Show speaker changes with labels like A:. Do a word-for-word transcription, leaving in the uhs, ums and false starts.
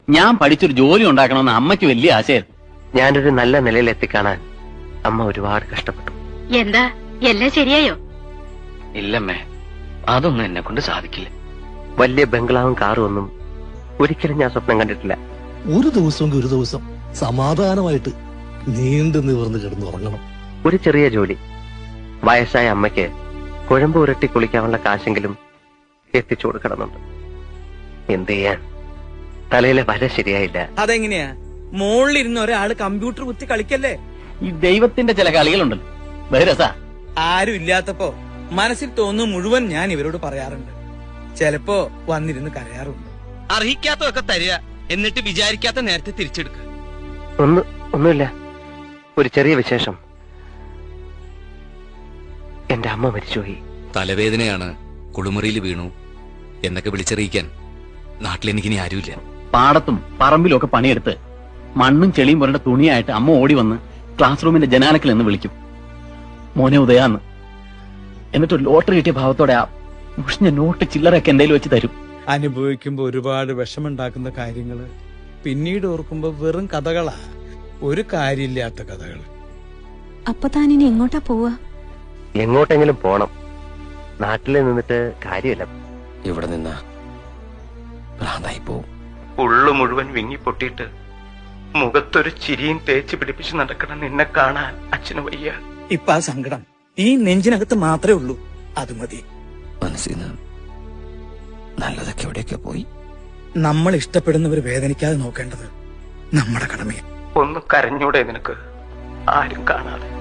A: ഞാൻ പഠിച്ചൊരു ജോലി ഉണ്ടാക്കണമെന്ന് അമ്മയ്ക്ക് വലിയ ആശയായിരുന്നു.
B: ഞാനൊരു നല്ല നിലയിൽ എത്തിക്കാണാൻ അമ്മ ഒരുപാട് കഷ്ടപ്പെട്ടു.
C: എന്താ എല്ലാം ശരിയായോ?
B: ഇല്ലമ്മേ, അതൊന്നും എന്നെ കൊണ്ട് സാധിക്കില്ല. വലിയ ബംഗ്ലാവും കാറും ഒന്നും ഒരിക്കലും ഞാൻ സ്വപ്നം കണ്ടിട്ടില്ല.
D: ഒരു ദിവസം ഒരു ദിവസം സമാധാനമായിട്ട് നീണ്ടു നിവർന്ന് കിടന്നുറങ്ങണം.
B: ഒരു ചെറിയ ജോലി, വയസ്സായ അമ്മയ്ക്ക് കുഴമ്പ് ഉരട്ടി കുളിക്കാനുള്ള കാശെങ്കിലും എത്തിച്ചു കൊടുക്കണമെന്നുണ്ട്. എന്ത് ചെയ്യാൻ, തലയിലെ വര ശരിയായില്ല.
E: അതെങ്ങനെയാ? മുകളിലിരുന്ന് ഒരാള് കമ്പ്യൂട്ടർ കുത്തി കളിക്കല്ലേ?
A: ഈ ദൈവത്തിന്റെ ചില കളികളുണ്ടല്ലോ, ബഹിരസാ.
E: ആരും ഇല്ലാത്തപ്പോ മനസ്സിൽ തോന്നുന്നു മുഴുവൻ ഞാൻ ഇവരോട് പറയാറുണ്ട്. ചിലപ്പോ വന്നിരുന്ന് കരയാറുണ്ട്.
F: അർഹിക്കാത്തതൊക്കെ തരിക, എന്നിട്ട് വിചാരിക്കാത്ത നേരത്തെ തിരിച്ചെടുക്കുക.
B: ഒന്ന് ഒന്നുമില്ല, ഒരു ചെറിയ വിശേഷം. എന്റെ അമ്മ മരിച്ചുപോയി.
G: തലവേദനയാണ്, കുളിമുറിയിൽ വീണു എന്നൊക്കെ വിളിച്ചറിയിക്കാൻ നാട്ടിലെനിക്കിനി ആരുമില്ല.
A: പാടത്തും പറമ്പിലും ഒക്കെ പണിയെടുത്ത് മണ്ണും ചെളിയും പുരണ്ട തുണിയായിട്ട് അമ്മ ഓടി വന്ന് ക്ലാസ് റൂമിന്റെ ജനാലക്കിൽ നിന്ന് വിളിക്കും, മോനെ ഉദയാന്ന്. എന്നിട്ട് ലോട്ടറി കിട്ടിയ ഭാവത്തോടെ ആ മുഷിഞ്ഞ നോട്ട് ചില്ലറൊക്കെ എന്തേലും വെച്ച് തരും.
E: അനുഭവിക്കുമ്പോ ഒരുപാട് വിഷമുണ്ടാക്കുന്ന കാര്യങ്ങള് പിന്നീട് ഓർക്കുമ്പോ വെറും കഥകളാ, ഒരു കാര്യമില്ലാത്ത കഥകൾ.
C: അപ്പൊ താനിനി എങ്ങോട്ടാ പോവാ?
B: എങ്ങോട്ടെങ്കിലും പോണം. നാട്ടിൽ നിന്നിട്ട് കാര്യമില്ല.
G: ഇവിടെ നിന്ന ഭ്രാന്തായി പോവും.
B: ഉള്ളു മുഴുവൻ വിങ്ങി പൊട്ടിയിട്ട് മുഖത്തൊരു ചിരിയും തേച്ച് പിടിപ്പിച്ച് നടക്കണം നിന്നെ കാണാൻ അച്ഛന് വയ്യ.
E: ഇപ്പൊ ആ സങ്കടം ഈ നെഞ്ചിനകത്ത് മാത്രമേ ഉള്ളൂ, അത് മതി.
G: മനസ്സിൽ നിന്ന് നല്ലതൊക്കെ എവിടെയൊക്കെ പോയി.
E: നമ്മൾ ഇഷ്ടപ്പെടുന്നവർ വേദനിക്കാതെ നോക്കേണ്ടത് നമ്മുടെ കടമയാണ്.
B: ഒന്ന് കരഞ്ഞൂടെ നിനക്ക്, ആരും കാണാതെ?